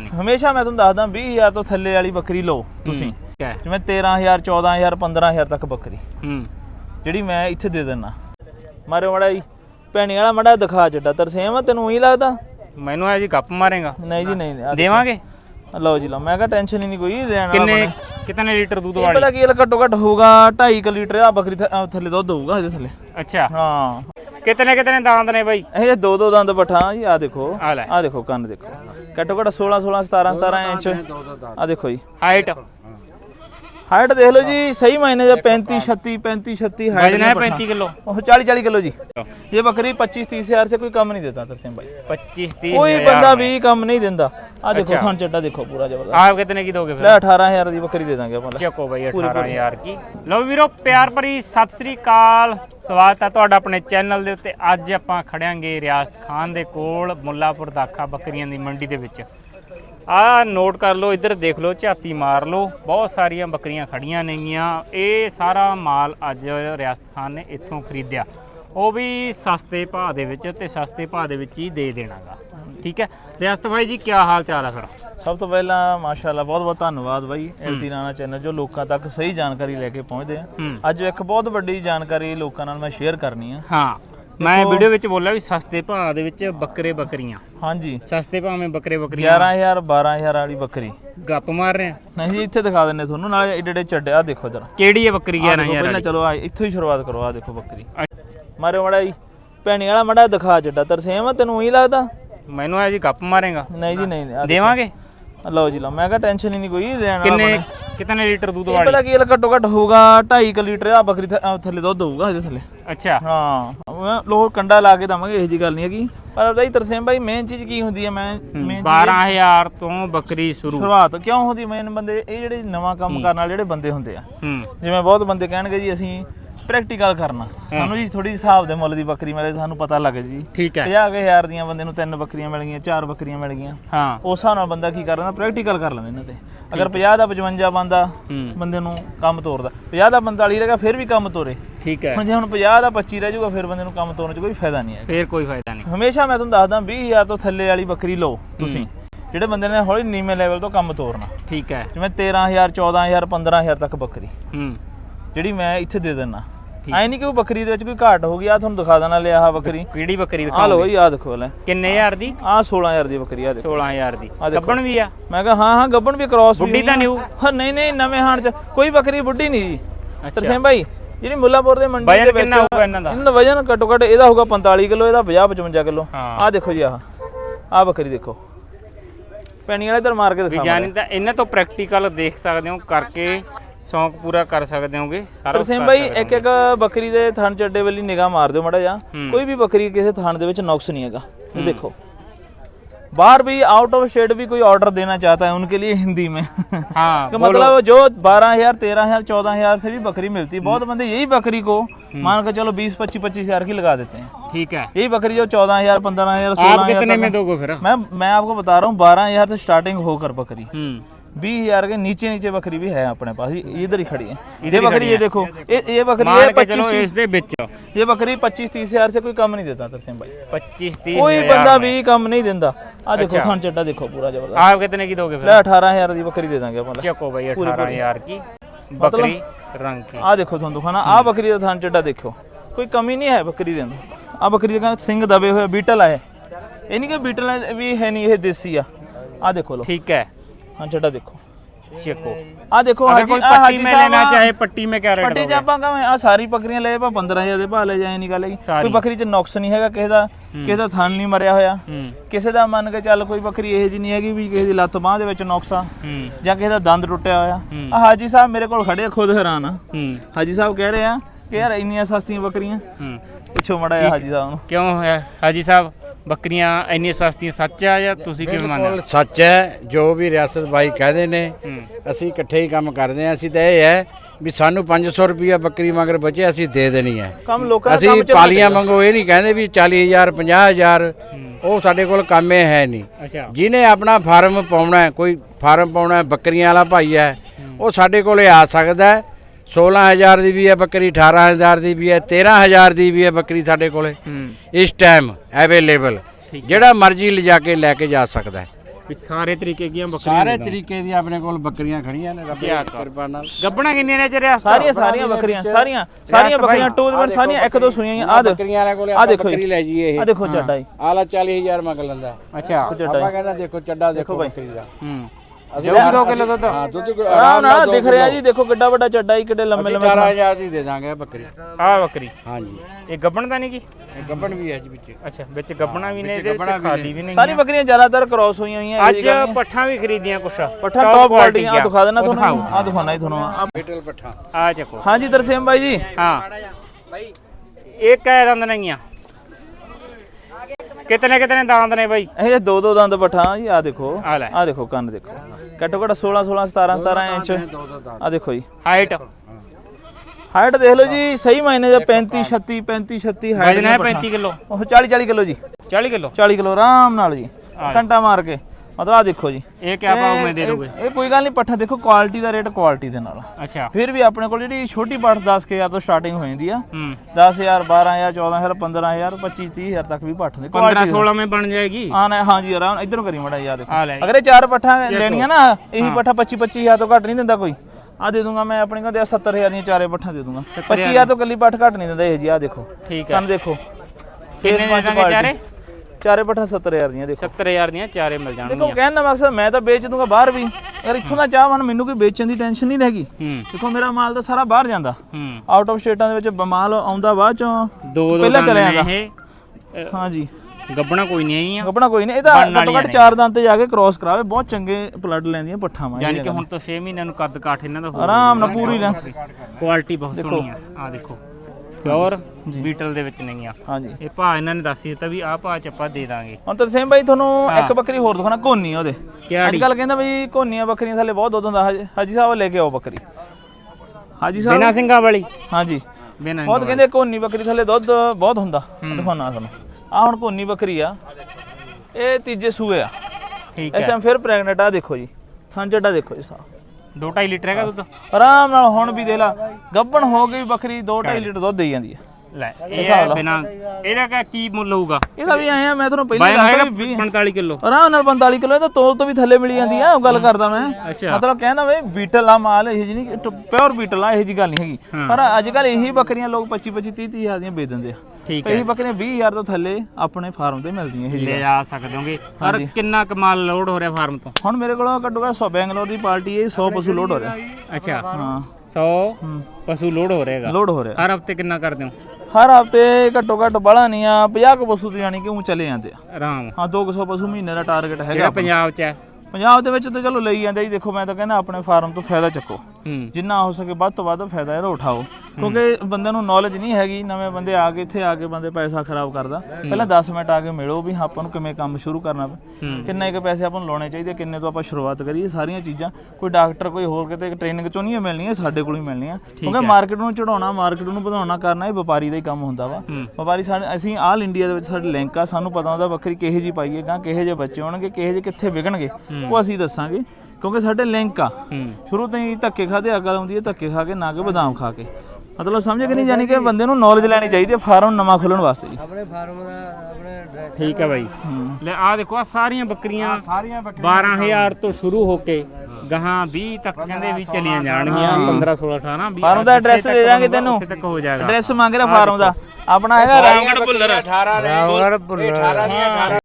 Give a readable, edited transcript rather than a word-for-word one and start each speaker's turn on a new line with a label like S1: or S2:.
S1: ਨਹੀਂ।
S2: ਹਮੇਸ਼ਾ ਮੈਂ ਤੁਹਾਨੂੰ ਦੱਸਦਾ 20000 ਤੋਂ ਥੱਲੇ ਵਾਲੀ ਬੱਕਰੀ ਲਓ ਤੁਸੀਂ, ਜਿਵੇਂ 13000 14000 15000 ਤੱਕ ਬੱਕਰੀ ਜਿਹੜੀ ਮੈਂ ਇੱਥੇ ਦੇ ਦਿੰਦਾ। ਮਾਰਿਓ ਮੜਾ ਜੀ ਭੈਣੀ ਵਾਲਾ ਮੜਾ ਦਿਖਾ ਚੱਡਾ ਤਰਸੇਮ ਤੈਨੂੰ ਹੀ ਲੱਗਦਾ
S1: ਮੈਨੂੰ ਹੈ ਜੀ ਗੱਪ ਮਾਰੇਗਾ?
S2: ਨਹੀਂ ਜੀ ਨਹੀਂ
S1: ਦੇਵਾਂਗੇ।
S2: ਲਓ ਜੀ ਲਓ, ਮੈਂ ਕਿਹਾ ਟੈਨਸ਼ਨ ਹੀ ਨਹੀਂ ਕੋਈ ਲੈਣ ਵਾਲਾ।
S1: ਕਿੰਨੇ ਲੀਟਰ ਦੁੱਧ ਵਾਲੀ?
S2: ਪਹਿਲਾਂ ਕੀ ਘੱਟੋ ਘੱਟ ਹੋਊਗਾ 2.5 ਲੀਟਰ ਆ ਬੱਕਰੀ ਥੱਲੇ ਦੁੱਧ ਹੋਊਗਾ ਇਹਦੇ ਥੱਲੇ।
S1: ਅੱਛਾ
S2: ਹਾਂ।
S1: ਕਿਤਨੇ ਦਾੰਦ ਨੇ ਬਾਈ?
S2: ਇਹ ਦੋ ਦੰਦ ਪੱਠਾ ਜੀ। ਆ ਦੇਖੋ
S1: ਆ
S2: ਦੇਖੋ ਕੰਨ ਦੇਖੋ, ਘੱਟੋ ਘੱਟ 16 17 ਇੰਚ। ਆ ਦੇਖੋ ਜੀ ਹਾਈਟ ਦੇਖ ਲਓ ਜੀ, ਸਹੀ ਮਾਇਨੇ ਦਾ 35 36 हाइट
S1: है। 35 किलो
S2: 40 किलो जी। ये बकरी 25-30 हज़ार से कोई कम नहीं देता तरसेम भाई।
S1: 25-30
S2: कोई बंदा भी कम नहीं देता। आ देखो थान चट्टा देखो पूरा जबरदस्त।
S1: आप कितने की दोगे फिर?
S2: 18,000 की बकरी दे देंगे अपन।
S1: चको भाई 18,000 की। लो वीरो प्यार भरी सत श्री अकाल, स्वागत है तुहाडा अपने चैनल दे उत्ते। अज आपां खड़ियांगे रियासत खान दे कोल मुल्लापुर दाखा बकरियां दी मंडी दे विच। आ नोट कर लो, इधर देख लो, झाती मार लो, बहुत सारिया बकरियां खड़ियां नेगियां। ये सारा माल अज रियासत खान ने इत्थों खरीदिया, वो भी सस्ते भाव दे विच ते सस्ते भाव दे विच ही दे देना गा। ठीक है रियासत भाई जी, क्या हाल चाल है फिर?
S2: सब तो पहला माशाअल्लाह बहुत बहुत धन्यवाद भाई एलटी राणा चैनल जो लोगों तक सही जानकारी लेके पहुँचते हैं। अज एक बहुत बड़ी जानकारी लोगों नाल मैं शेयर करनी है।
S1: हाँ मैं वीडियो विच बोला भी सस्ते भाव दे विच बकरे बकरियां। हाँ जी सस्ते भाव में बकरे बकरियां 11,000
S2: 12,000 वाली बकरी।
S1: गप मार रहे हैं? नहीं
S2: जी इत्थे दिखा देने थोनू नाले एडे एडे चड्डे। आ देखो जरा
S1: केड़ी है बकरी? 11,000
S2: पहले चलो इत्थों ही शुरुआत करो। आ देखो बकरी मारे मड़ा जी भैणी वाला मड़ा दिखा चड्डा तरसेम तैनूं ही लगदा?
S1: मैनू है जी गप मारेगा? नहीं
S2: जी नहीं
S1: देवांगे।
S2: लो जी लो, मैं कहा टेंशन ही नहीं कोई लेना।
S1: कितने लीटर दूध वाली?
S2: पहला की घट्टो घट होगा 2.5 लीटर आ बकरी थल्ले दुध होगा ਇਹਦੇ ਥੱਲੇ।
S1: अच्छा
S2: हाँ लोग कंडा ला के ਦਵਾਂਗੇ, ਇਹ ਜੀ ਗੱਲ ਨਹੀਂ ਹੈਗੀ। ਪਰ ਭਾਈ ਤਰਸੇਮ ਭਾਈ ਮੇਨ ਚੀਜ਼ ਕੀ ਹੁੰਦੀ ਹੈ? ਮੈਂ
S1: 12,000 ਤੋਂ ਬੱਕਰੀ ਸ਼ੁਰੂਆਤ
S2: ਕਿਉਂ ਹੁੰਦੀ? ਮੇਨ ਬੰਦੇ ਇਹ ਜਿਹੜੇ ਨਵਾਂ ਕੰਮ ਕਰਨ ਵਾਲੇ ਜਿਹੜੇ ਬੰਦੇ ਹੁੰਦੇ ਆ, ਜਿਵੇਂ ਬਹੁਤ ਬੰਦੇ ਕਹਿਣਗੇ ਜੀ ਅਸੀਂ ਪ੍ਰੈਕਟੀਕਲ ਕਰਨਾ, ਸਾਨੂੰ ਜੀ ਥੋੜੀ ਹਿਸਾਬ ਦੇ ਮੁੱਲ ਦੀ ਬੱਕਰੀ ਮਿਲੇ, ਸਾਨੂੰ ਪਤਾ ਲੱਗੇ ਜੀ। ਠੀਕ ਹੈ 50,000 ਦੀਆਂ ਬੰਦੇ ਨੂੰ 3 ਬੱਕਰੀਆਂ ਮਿਲ ਗਈਆਂ, 4 ਬੱਕਰੀਆਂ ਮਿਲ ਗਈਆਂ। ਹਾਂ ਉਸ ਹਿਸਾਬ ਨਾਲ ਬੰਦਾ ਕੀ ਕਰਦਾ? ਪ੍ਰੈਕਟੀਕਲ ਕਰ ਲੈਂਦਾ ਇਹਨਾਂ ਤੇ। ਅਗਰ 50 ਦਾ 55 ਬੰਦਾ ਬੰਦੇ ਨੂੰ ਕੰਮ ਤੋਰਦਾ, 50 ਦਾ 45 ਰਹੇਗਾ ਫਿਰ ਵੀ ਕੰਮ ਤੋਰੇ। ਠੀਕ ਹੈ। ਹੁਣ ਜੇ ਹੁਣ 50 ਦਾ 25 ਰਹਿ ਜਾਊਗਾ ਫਿਰ ਬੰਦੇ ਨੂੰ ਕੰਮ ਤੋਰਨ 'ਚ ਕੋਈ ਫਾਇਦਾ ਨਹੀਂ ਹੈ। ਫਿਰ ਕੋਈ ਫਾਇਦਾ ਨਹੀਂ। ਹਮੇਸ਼ਾ ਮੈਂ ਤੁਹਾਨੂੰ ਦੱਸਦਾ 20,000 ਤੋਂ ਥੱਲੇ ਵਾਲੀ ਬੱਕਰੀ ਲਓ ਤੁਸੀਂ, ਜਿਹੜੇ ਬੰਦੇ ਨੇ ਹੌਲੀ ਨੀਵੇਂ ਲੈਵਲ ਤੋਂ ਕੰਮ ਤੋਰਨਾ। ਠੀਕ ਹੈ। ਜਿਵੇਂ 13,000 14,000 15,000 ਤੱਕ ਬੱਕਰੀ ਜਿਹੜੀ ਮੈਂ ਇੱਥੇ ਦੇ ਦਿੰਦਾ। ਐ ਨਹੀਂ ਕਿ ਉਹ ਬੱਕਰੀ ਦੇ ਵਿੱਚ ਕੋਈ ਘਾਟ ਹੋ ਗਈ। ਆ ਤੁਹਾਨੂੰ ਦਿਖਾ ਦੇਣਾ। ਲਿਆ ਆ ਬੱਕਰੀ ਕਿਹੜੀ ਬੱਕਰੀ ਦਿਖਾਓ? ਆ ਲਓ ਜੀ ਆ ਦੇਖੋ ਲੈ ਕਿੰਨੇ ਹਜ਼ਾਰ ਦੀ? ਆ 16,000 ਦੀ ਬੱਕਰੀ। ਆ ਦੇਖੋ 16,000 ਦੀ। ਗੱਬਣ ਵੀ ਆ? ਮੈਂ ਕਿਹਾ ਹਾਂ ਗੱਬਣ ਵੀ, ਕ੍ਰਾਸ ਵੀ। ਬੁੱਢੀ ਤਾਂ ਨਹੀਂ? ਹਾਂ ਨਹੀਂ ਨਵੇਂ ਹਾਣ ਚ ਕੋਈ ਬੱਕਰੀ ਬੁੱਢੀ ਨਹੀਂ ਜੀ ਤਰਸੇਮ ਭਾਈ। ਜਿਹੜੀ ਮੁੱਲਾਪੁਰ ਦੇ ਮੰਡੀ ਦੇ ਵਿੱਚ ਕਿੰਨਾ ਹੋਊਗਾ ਇਹਨਾਂ ਦਾ? ਇਹਨਾਂ ਦਾ ਵਜਨ ਘੱਟੋ ਘੱਟ ਇਹਦਾ ਹੋਊਗਾ 45 ਕਿਲੋ, ਇਹਦਾ 50-55 ਕਿਲੋ। ਆ ਦੇਖੋ ਜੀ ਆ ਬੱਕਰੀ ਦੇਖੋ, ਪੈਣੀ ਵਾਲੇ ਇਧਰ ਮਾਰ ਕੇ ਦਿਖਾ। ਜਾਨੀ ਤਾਂ ਇਹਨਾਂ ਤੋਂ ਪ੍ਰੈਕਟੀਕਲ ਦੇਖ ਸਕਦੇ ਹੋ, ਕਰਕੇ शौक पूरा कर सकते होगे सारा। तरसेम भाई एक एक बकरी दे थान चड्डे वाली निगाह मार दो मड़ा जा, कोई भी बकरी किसी थान दे विच नुक्स नहीं हैगा। ये देखो बाहर भी आउट ऑफ स्टेट भी कोई ऑर्डर देना चाहता है उनके लिए हिंदी में हाँ मतलब जो 12,000 13,000 14,000 से भी बकरी मिलती है। बहुत बंदे यही बकरी को मान कर चलो 20-25 की लगा देते हैं। ठीक है। यही बकरी जो 14,000 15,000 16,000 कितने में दोगे फिर? मैं आपको बता रहा हूँ 12,000 से स्टार्टिंग होकर बकरी 20,000 के नीचे बकरी भी है अपने पास। इधर ही खड़ी है ये बकरी। ये देखो ये बकरी है 25-30। ये बकरी 25-30 हज़ार से कोई कम नहीं देता तरसेम भाई। 25-30 कोई बंदा भी कम नहीं देता। आ देखो थान चड्डा देखो पूरा जबरदस्त। आप कितने की दोगे फिर? 18,000 की बकरी दे देंगे अपन। चको भाई 18,000 की बकरी रंग की। आ देखो तुम दुखाना आ बकरी का थान चड्डा देखो, कोई कमी नहीं है बकरी के अंदर। आ बकरी का सिंग दबे हुए बीटल है, ये नहीं कि बीटल भी है नहीं, ये देसी आ देखो लो। ठीक है। हाँ चड्डा देखो चेको आ देखो। हाजी पट्टी में लेना चाहे पट्टी में क्या रेट होगा? पट्टी जापां का आ सारी बकरियां ले पा 15,000 ਦੇ ਭਾਅ ਲੈ ਜਾਏ ਨਹੀਂ ਗੱਲ। ਕੋਈ ਬੱਕਰੀ 'ਚ ਨੁਕਸ ਨਹੀਂ ਹੈਗਾ, ਕਿਸੇ ਦਾ ਥਣ ਨਹੀਂ ਮਰਿਆ ਹੋਇਆ, ਕਿਸੇ ਦਾ ਮੰਨ ਕੇ ਚੱਲ ਕੋਈ ਬੱਕਰੀ ਇਹੋ ਜਿਹੀ ਨਹੀਂ ਹੈਗੀ ਵੀ ਕਿਸੇ ਦੀ ਲੱਤ ਬਾਂਹ ਦੇ ਵਿੱਚ ਨੁਕਸ ਆ ਜਾਂ ਕਿਸੇ ਦਾ ਦੰਦ ਟੁੱਟਿਆ ਹੋਇਆ। ਆ ਹਾਜੀ ਸਾਹਿਬ ਮੇਰੇ ਕੋਲ ਖੜੇ ਖੁਦ ਹੈਰਾਨ ਆ। ਹਾਜੀ ਸਾਹਿਬ ਕਹਿ ਰਹੇ ਆ ਕਿ ਯਾਰ ਇੰਨੀਆਂ ਸਸਤੀਆਂ ਬੱਕਰੀਆਂ। ਪੁੱਛੋ ਮੜਾ ਹਾਜੀ ਸਾਹਿਬ ਨੂੰ ਕਿਉਂ ਹੋਇਆ? ਹਾਜੀ ਸਾਹਿਬ ਬੱਕਰੀਆਂ ਇੰਨੀਆਂ ਸਸਤੀਆਂ ਸੱਚ ਆ ਜਾਂ ਤੁਸੀਂ ਕਿਵੇਂ ਮੰਨਦੇ?
S3: ਸੱਚ ਹੈ, ਜੋ ਵੀ ਰਿਆਸਤ ਬਾਈ ਕਹਦੇ ਨੇ ਅਸੀਂ ਇਕੱਠੇ ਹੀ ਕੰਮ ਕਰਦੇ ਹਾਂ। ਅਸੀਂ ਤਾਂ ਇਹ ਹੈ ਵੀ ਸਾਨੂੰ 500 ਰੁਪਇਆ ਬੱਕਰੀ ਮਗਰ ਬਚੇ ਅਸੀਂ ਦੇ ਦੇਣੀ ਹੈ। ਅਸੀਂ ਪਾਲੀਆਂ ਮੰਗੋ ਇਹ ਨਹੀਂ ਕਹਿੰਦੇ ਵੀ 40,000 50,000, ਉਹ ਸਾਡੇ ਕੋਲ ਕੰਮ ਇਹ ਹੈ ਨਹੀਂ। ਜਿਹਨੇ ਆਪਣਾ ਫਾਰਮ ਪਾਉਣਾ, ਕੋਈ ਫਾਰਮ ਪਾਉਣਾ ਬੱਕਰੀਆਂ ਵਾਲਾ ਭਾਈ ਹੈ, ਉਹ ਸਾਡੇ ਕੋਲੇ ਆ ਸਕਦਾ। 16,000 ਦੀ ਵੀ ਹੈ ਬੱਕਰੀ, 18,000 ਦੀ ਵੀ ਹੈ, 13,000 ਦੀ ਵੀ ਹੈ ਬੱਕਰੀ ਸਾਡੇ ਕੋਲੇ ਇਸ ਟਾਈਮ ਅਵੇਲੇਬਲ। ਜਿਹੜਾ ਮਰਜ਼ੀ ਲਿਜਾ ਕੇ ਲੈ ਕੇ ਜਾ ਸਕਦਾ ਹੈ।
S1: ਵੀ ਸਾਰੇ ਤਰੀਕੇ ਦੀਆਂ ਬੱਕਰੀਆਂ
S3: ਸਾਰੇ ਤਰੀਕੇ ਦੀਆਂ ਆਪਣੇ ਕੋਲ ਬੱਕਰੀਆਂ ਖੜੀਆਂ ਨੇ ਰੱਬ ਦੀ ਕਿਰਪਾ ਨਾਲ।
S1: ਗੱਬਣਾ ਕਿੰਨੀਆਂ ਨੇ ਚਿਰ
S2: ਸਾਰੀਆਂ ਬੱਕਰੀਆਂ ਸਾਰੀਆਂ ਬੱਕਰੀਆਂ ਟੋਜਵਰ ਸਾਰੀਆਂ ਇੱਕ ਦੋ ਸੂਈਆਂ ਆ
S3: ਬੱਕਰੀਆਂ ਵਾਲੇ ਕੋਲੇ ਆਪਾਂ ਬੱਕਰੀ ਲੈ ਜੀਏ ਇਹ
S2: ਆ ਦੇਖੋ ਚੱਡਾ ਜੀ
S3: ਆਲਾ 40000 ਮੰਗ ਲੈਂਦਾ।
S1: ਅੱਛਾ
S3: ਆਪਾਂ ਕਹਿੰਦਾ ਦੇਖੋ ਚੱਡਾ ਦੇਖੋ ਬੱਕਰੀ ਦਾ।
S1: ਅਸੀਂ 2 ਕਿਲੋ ਦੁੱਧ।
S3: ਹਾਂ ਦੁੱਧ
S2: ਆਰਾਮ ਨਾਲ ਦਿਖ ਰਿਹਾ ਜੀ, ਦੇਖੋ ਕਿੱਡਾ ਵੱਡਾ ਚੱਡਾ ਜੀ, ਕਿੱਡੇ ਲੰਮੇ
S3: 14000 ਦੀ ਦੇ ਦਾਂਗੇ ਬੱਕਰੀ।
S1: ਆਹ ਬੱਕਰੀ
S3: ਹਾਂਜੀ
S1: ਇਹ ਗੱਬਣ ਤਾਂ ਨਹੀਂ ਕੀ?
S3: ਇਹ ਗੱਬਣ ਵੀ ਹੈ ਜੀ ਵਿੱਚ।
S1: ਅੱਛਾ ਵਿੱਚ ਗੱਬਣਾ ਵੀ ਨੇ, ਇਹਦੇ ਵਿੱਚ ਖਾਲੀ ਵੀ ਨਹੀਂ।
S2: ਸਾਰੀ ਬੱਕਰੀਆਂ ਜ਼ਿਆਦਾਤਰ ਕ੍ਰਾਸ ਹੋਈਆਂ ਹੋਈਆਂ।
S1: ਅੱਜ ਪੱਠਾਂ ਵੀ ਖਰੀਦੀਆਂ ਕੁਛ
S2: ਪੱਠਾਂ ਟੌਪ ਕੁਆਲਿਟੀ ਆ, ਦਿਖਾ ਦੇਣਾ ਤੁਹਾਨੂੰ, ਆ ਦਿਖਾਉਣਾ ਹੀ ਤੁਹਾਨੂੰ ਆ
S3: ਬੀਟਲ ਪੱਠਾ
S1: ਆ ਚੱਕੋ।
S2: ਹਾਂਜੀ ਤਰਸੇਮ ਬਾਈ ਜੀ।
S1: ਹਾਂ ਇਹ ਕਹਿ ਦੰਦ ਨਹੀਂਆਂ, ਕਿਤਨੇ ਦਾਂਦ ਨੇ ਬਾਈ?
S2: ਇਹ ਦੋ ਦੰਦ ਪੱਠਾ ਜੀ, ਆ ਦੇਖੋ
S1: ਆ ਲੈ,
S2: ਆ ਦੇਖੋ ਕੰਨ ਦੇਖੋ, ਘੱਟੋ ਘੱਟ 16 17 ਇੰਚ। ਆ ਦੇਖੋ ਜੀ ਹਾਈਟ ਦੇਖ ਲਓ ਜੀ, ਸਹੀ ਮਾਇਨੇ ਦਾ 35 36 ਹਾਈਟ।
S1: ਵਜਨ ਹੈ 35 ਕਿਲੋ,
S2: ਉਹ 40 ਕਿਲੋ ਜੀ, 40 ਕਿਲੋ ਆਰਾਮ ਨਾਲ ਜੀ, ਘੰਟਾ ਮਾਰ ਕੇ। ਮਤਲਬ ਆ ਦੇਖੋ ਜੀ,
S1: ਇਹ ਕਿਆ ਭਾਅ ਮੈਂ ਦੇ ਦੋਗੇ?
S2: ਇਹ ਕੋਈ ਗੱਲ ਨਹੀਂ, ਪੱਠਾ ਦੇਖੋ ਕੁਆਲਿਟੀ ਦਾ ਰੇਟ ਕੁਆਲਿਟੀ ਦੇ ਨਾਲ।
S1: ਅੱਛਾ
S2: ਫਿਰ ਵੀ ਆਪਣੇ ਕੋਲ ਜਿਹੜੀ ਛੋਟੀ ਪੱਠ 10000 ਤੋਂ ਸਟਾਰਟਿੰਗ ਹੋ ਜਾਂਦੀ ਆ। 10000 12000 14000 15000 25 30000 ਤੱਕ ਵੀ ਪੱਠ ਹੁੰਦੀ।
S1: 15 16 में बन जाएगी।
S2: ਹਾਂ ਜੀ ਆਰਾਮ ਇਧਰ ਨੂੰ ਕਰੀ ਮੜਾ ਯਾਰ ਦੇਖੋ, ਅਗਰ ਇਹ 4 ਪੱਠਾਂ ਲੈਣੀਆਂ ਨਾ, ਇਹੀ ਪੱਠਾ 25-25000 ਤੋਂ ਘੱਟ ਨਹੀਂ ਦਿੰਦਾ ਕੋਈ। ਆ ਦੇ ਦੂੰਗਾ ਮੈਂ ਆਪਣੇ ਕੋਲ 70000 ਦੀਆਂ 4 ਪੱਠਾਂ ਦੇ ਦੂੰਗਾ, 25000 ਤੋਂ ਕੱਲੀ ਪੱਠ ਘੱਟ ਨਹੀਂ ਦਿੰਦਾ ਇਹ ਜੀ। ਆ ਦੇਖੋ
S1: ਠੀਕ ਹੈ,
S2: ਕੰਨ ਦੇਖੋ
S1: ਕਿੰਨੇ ਦੇ ਦਾਂਗੇ? ਚਾਰੇ
S2: ਪੱਠਾਂ 70000 ਦੀਆਂ। ਦੇਖੋ
S1: 70000 ਦੀਆਂ ਚਾਰੇ ਮਿਲ ਜਾਣਗੀਆਂ।
S2: ਦੇਖੋ ਕਹਿਣ ਦਾ ਮਕਸਦ ਮੈਂ ਤਾਂ ਵੇਚ ਦੂੰਗਾ ਬਾਹਰ ਵੀ, ਯਾਰ ਇੱਥੋਂ ਦਾ ਚਾਹਵਾਨ ਮੈਨੂੰ ਕੋਈ ਵੇਚਣ ਦੀ ਟੈਨਸ਼ਨ ਨਹੀਂ ਰਹੇਗੀ। ਦੇਖੋ ਮੇਰਾ ਮਾਲ ਤਾਂ ਸਾਰਾ ਬਾਹਰ ਜਾਂਦਾ, ਆਊਟ ਆਫ ਸਟੇਟਾਂ ਦੇ ਵਿੱਚ ਮਾਲ ਆਉਂਦਾ ਬਾਅਦ ਚੋਂ, ਪਹਿਲਾਂ ਚਲੇ ਜਾਂਦਾ। ਹਾਂ ਜੀ
S1: ਗੱਬਣਾ ਕੋਈ ਨਹੀਂ ਆਈਆਂ,
S2: ਗੱਬਣਾ ਕੋਈ ਨਹੀਂ, ਇਹ ਤਾਂ ਘੱਟੋ ਘੱਟ 4 ਦੰਦ ਤੇ ਜਾ ਕੇ ਕ੍ਰਾਸ ਕਰਾਵੇ, ਬਹੁਤ ਚੰਗੇ ਬਲੱਡ ਲੈਂਦੀਆਂ ਪੱਠਾਂ ਮਾਂ।
S1: ਯਾਨੀ ਕਿ ਹੁਣ ਤੋਂ 6 ਮਹੀਨਿਆਂ ਨੂੰ ਕੱਦ ਕਾਠ ਇਹਨਾਂ ਦਾ
S2: ਆਰਾਮ ਨਾਲ ਪੂਰੀ ਲੈਂਥ,
S1: ਕੁਆਲਿਟੀ ਬਹੁਤ ਸੋਹਣੀ ਆ। ਆ ਦੇਖੋ ਪਿਓਰ ਬੀਟਲ ਦੇ ਵਿੱਚ ਨਹੀਂ ਆ।
S2: ਹਾਂਜੀ
S1: ਇਹ ਭਾਅ ਇਹਨਾਂ ਨੇ ਦੱਸ ਦਿੱਤਾ ਵੀ ਆਹ ਭਾਅ ਚ ਆਪਾਂ ਦੇ ਦਾਂਗੇ।
S2: ਹੁਣ ਤਰਸੇਮ ਬਾਈ ਤੁਹਾਨੂੰ ਇੱਕ ਬੱਕਰੀ ਹੋਰ ਦਿਖਾਣਾ, ਕੋਨੀ ਉਹਦੇ। ਅੱਜ ਕੱਲ ਕਹਿੰਦਾ ਬਈ ਕੋਨੀਆਂ ਬੱਕਰੀਆਂ ਥੱਲੇ ਬਹੁਤ ਦੁੱਧ ਹੁੰਦਾ। ਹਾਜੀ ਸਾਹਿਬ ਲੈ ਕੇ ਆਓ ਬੱਕਰੀ, ਹਾਜੀ ਸਾਹਿਬ
S1: ਬਿਨਾ ਸਿੰਘਾਂ ਵਾਲੀ।
S2: ਹਾਂਜੀ ਬਹੁਤ ਕਹਿੰਦੇ ਕੋਨੀ ਬੱਕਰੀ ਥੱਲੇ ਦੁੱਧ ਬਹੁਤ ਹੁੰਦਾ। ਦਿਖਾਉਣਾ ਤੁਹਾਨੂੰ, ਆ ਹੁਣ ਕੋਨੀ ਬੱਕਰੀ ਆ, ਇਹ ਤੀਜੇ ਸੂਏ ਆ,
S1: ਠੀਕ
S2: ਇਸ ਟਾਈਮ ਫਿਰ ਪ੍ਰੈਗਨੈਂਟ ਆ। ਦੇਖੋ ਜੀ ਥਣ ਚੱਡਾ ਦੇਖੋ ਜੀ ਸਾਹ,
S1: 2.5 ਲੀਟਰ ਹੈਗਾ ਦੁੱਧ
S2: ਆਰਾਮ ਨਾਲ। ਹੁਣ ਵੀ ਦੇ ਲਾ ਗੱਭਣ ਹੋ ਗਈ ਬੱਕਰੀ, 2.5 ਲੀਟਰ ਦੁੱਧ ਦੇਈ ਜਾਂਦੀ ਹੈ।
S1: ਲੈ ਇਹ ਬਿਨਾ ਇਹਦਾ ਕੀ ਮੁੱਲ ਹੋਊਗਾ?
S2: ਇਹਦਾ ਵੀ ਆਇਆ ਮੈਂ ਤੁਹਾਨੂੰ ਪਹਿਲਾਂ ਦੱਸਦਾ ਵੀ
S1: 45 ਕਿਲੋ ਆਰਾਮ
S2: ਨਾਲ 45 ਕਿਲੋ। ਇਹਦਾ ਤੋਲ ਤੋਂ ਵੀ ਥੱਲੇ ਮਿਲੀ ਜਾਂਦੀ ਆ, ਉਹ ਗੱਲ ਕਰਦਾ ਮੈਂ। ਮਤਲਬ ਕਹਿੰਦਾ ਵੇ ਬੀਟਲ ਆ ਮਾਲ, ਇਹ ਜੀ ਨਹੀਂ ਪਿਓਰ ਬੀਟਲ ਆ, ਇਹ ਜੀ ਗੱਲ ਨਹੀਂ ਹੈਗੀ। ਪਰ ਅੱਜ ਕੱਲ ਇਹੀ ਬੱਕਰੀਆਂ ਲੋਕ 25-25 30-30000 ਦੀਆਂ ਵੇਚ ਦਿੰਦੇ ਆ।
S1: ਠੀਕ
S2: ਹੈ, ਇਹੀ ਬੱਕਰੀਆਂ 20000 ਤੋਂ ਥੱਲੇ ਆਪਣੇ ਫਾਰਮ ਤੇ ਮਿਲਦੀਆਂ ਇਹ ਜੀ।
S1: ਲੈ ਆ ਸਕਦੇ ਹੋਗੇ। ਪਰ ਕਿੰਨਾ ਕਮਾਲ ਲੋਡ ਹੋ ਰਿਹਾ ਫਾਰਮ ਤੋਂ?
S2: ਹੁਣ ਮੇਰੇ ਕੋਲ ਘੱਟੋ ਘੱਟ 100 ਬੈਂਗਲੌਰ ਦੀ ਪਾਰਟੀ ਹੈ, 100 ਪਸ਼ੂ ਲੋਡ ਹੋ ਰਿਹਾ।
S1: ਅੱਛਾ ਹਾਂ 100 ਪਸ਼ੂ ਲੋਡ ਹੋ ਰਿਹਾ,
S2: ਲੋਡ ਹੋ ਰਿਹਾ।
S1: ਹਰ ਹਫਤੇ ਕਿੰਨਾ ਕਰਦੇ ਹੋ?
S2: ਹਰ ਹਫਤੇ ਘੱਟੋ ਘੱਟ ਬੜਾ ਨਹੀਂ ਆ 50 ਕੁ ਪਸ਼ੂ ਤੇ ਜਾਣੀ ਕਿ ਉਹ ਚਲੇ ਜਾਂਦੇ ਆ
S1: ਆਰਾਮ।
S2: ਹਾਂ 200 ਪਸ਼ੂ ਮਹੀਨੇ ਦਾ ਟਾਰਗੇਟ ਹੈਗਾ
S1: ਜਿਹੜਾ ਪੰਜਾਬ 'ਚ ਹੈ।
S2: ਪੰਜਾਬ ਦੇ ਵਿੱਚ ਤਾਂ ਚਲੋ ਲਈ ਜਾਂਦੇ ਜੀ। ਦੇਖੋ ਮੈਂ ਤਾਂ ਕਹਿੰਦਾ ਆਪਣੇ ਫਾਰਮ ਤੋਂ ਫਾਇਦਾ ਚੱਕੋ, ਜਿੰਨਾ ਹੋ ਸਕੇ ਵੱਧ ਤੋਂ ਵੱਧ ਫਾਇਦਾ ਇਹਦਾ ਉਠਾਓ, ਕਿਉਂਕਿ ਬੰਦੇ ਨੂੰ ਨੌਲੇਜ ਨਹੀਂ ਹੈਗੀ। ਨਵੇਂ ਬੰਦੇ ਆ ਕੇ ਇੱਥੇ ਆ ਕੇ ਬੰਦੇ ਪੈਸਾ ਖਰਾਬ ਕਰਦਾ। ਪਹਿਲਾਂ 10 ਮਿੰਟ ਆ ਕੇ ਮਿਲੋ ਵੀ ਆਪਾਂ ਨੂੰ ਕਿਵੇਂ ਕੰਮ ਸ਼ੁਰੂ ਕਰਨਾ, ਕਿੰਨੇ ਕੁ ਪੈਸੇ ਆਪਾਂ ਨੂੰ ਲਾਉਣੇ ਚਾਹੀਦੇ, ਕਿੰਨੇ ਤੋਂ ਆਪਾਂ ਸ਼ੁਰੂਆਤ ਕਰੀਏ। ਸਾਰੀਆਂ ਚੀਜ਼ਾਂ ਕੋਈ ਡਾਕਟਰ ਕੋਈ ਹੋਰ ਕਿਤੇ ਟ੍ਰੇਨਿੰਗ ਚੋਂ ਨਹੀਂ ਮਿਲਣੀਆਂ, ਸਾਡੇ ਕੋਲ ਹੀ ਮਿਲਣੀਆਂ। ਕਿਉਂਕਿ ਮਾਰਕੀਟ ਨੂੰ ਚੜਾਉਣਾ, ਮਾਰਕੀਟ ਨੂੰ ਵਧਾਉਣਾ ਕਰਨਾ ਇਹ ਵਪਾਰੀ ਦਾ ਹੀ ਕੰਮ ਹੁੰਦਾ ਵਾ। ਵਪਾਰੀ ਅਸੀਂ ਆਲ ਇੰਡੀਆ ਦੇ ਵਿੱਚ ਸਾਡੇ ਲਿੰਕ ਆ, ਸਾਨੂੰ ਪਤਾ ਹੁੰਦਾ ਬੱਕਰੀ ਕਿਹੇ ਜਿਹੀ ਪਾਈਏ, ਗਾਂ ਕਿਹੇ ਜਿਹੇ ਬੱਚੇ ਹੋਣਗੇ, ਕਿਹੇ ਜਿਹੇ ਕਿੱਥੇ ਵਿਕਣਗੇ, ਉਹ ਅਸੀਂ ਦੱਸਾਂਗੇ। ਕਿਉਂਕਿ ਸਾਡੇ ਲਿੰਕ ਆ ਸ਼ੁਰੂ ਤੋਂ ਹੀ। ਧੱਕੇ ਖਾਦੇ ਅਕਲ ਆਉਂਦੀ ਹੈ, ਧੱਕੇ ਖਾ ਕੇ ਨਾ ਕਿ ਬਦਾਮ ਖਾ ਕੇ। ਮਤਲਬ ਸਮਝ ਕੇ ਨਹੀਂ, ਜਾਣੀ ਕਿ ਬੰਦੇ ਨੂੰ ਨੌਲੇਜ ਲੈਣੀ ਚਾਹੀਦੀ ਹੈ ਫਾਰਮ ਨਵਾਂ ਖੋਲਣ ਵਾਸਤੇ ਜੀ।
S4: ਆਪਣੇ ਫਾਰਮ ਦਾ ਆਪਣੇ ਐਡਰੈਸ
S1: ਠੀਕ ਹੈ ਬਾਈ। ਲੈ ਆ ਦੇਖੋ ਆ ਸਾਰੀਆਂ ਬੱਕਰੀਆਂ 12000 ਤੋਂ ਸ਼ੁਰੂ ਹੋ ਕੇ ਗਾਹਾਂ 20 ਤੱਕ ਕਹਿੰਦੇ ਵੀ ਚਲੀਆਂ ਜਾਣਗੀਆਂ। 15 16 18 20
S2: ਫਾਰਮ ਦਾ ਐਡਰੈਸ ਦੇ ਦਾਂਗੇ ਤੈਨੂੰ,
S1: ਤੱਕ ਹੋ ਜਾਏਗਾ।
S2: ਐਡਰੈਸ ਮੰਗ ਰਿਹਾ ਫਾਰਮ ਦਾ ਆਪਣਾ ਹੈਗਾ ਰਾਮਗੜ੍ਹ ਭੁੱਲਰ।
S3: 18 ਰਾਮਗੜ੍ਹ ਭੁੱਲਰ।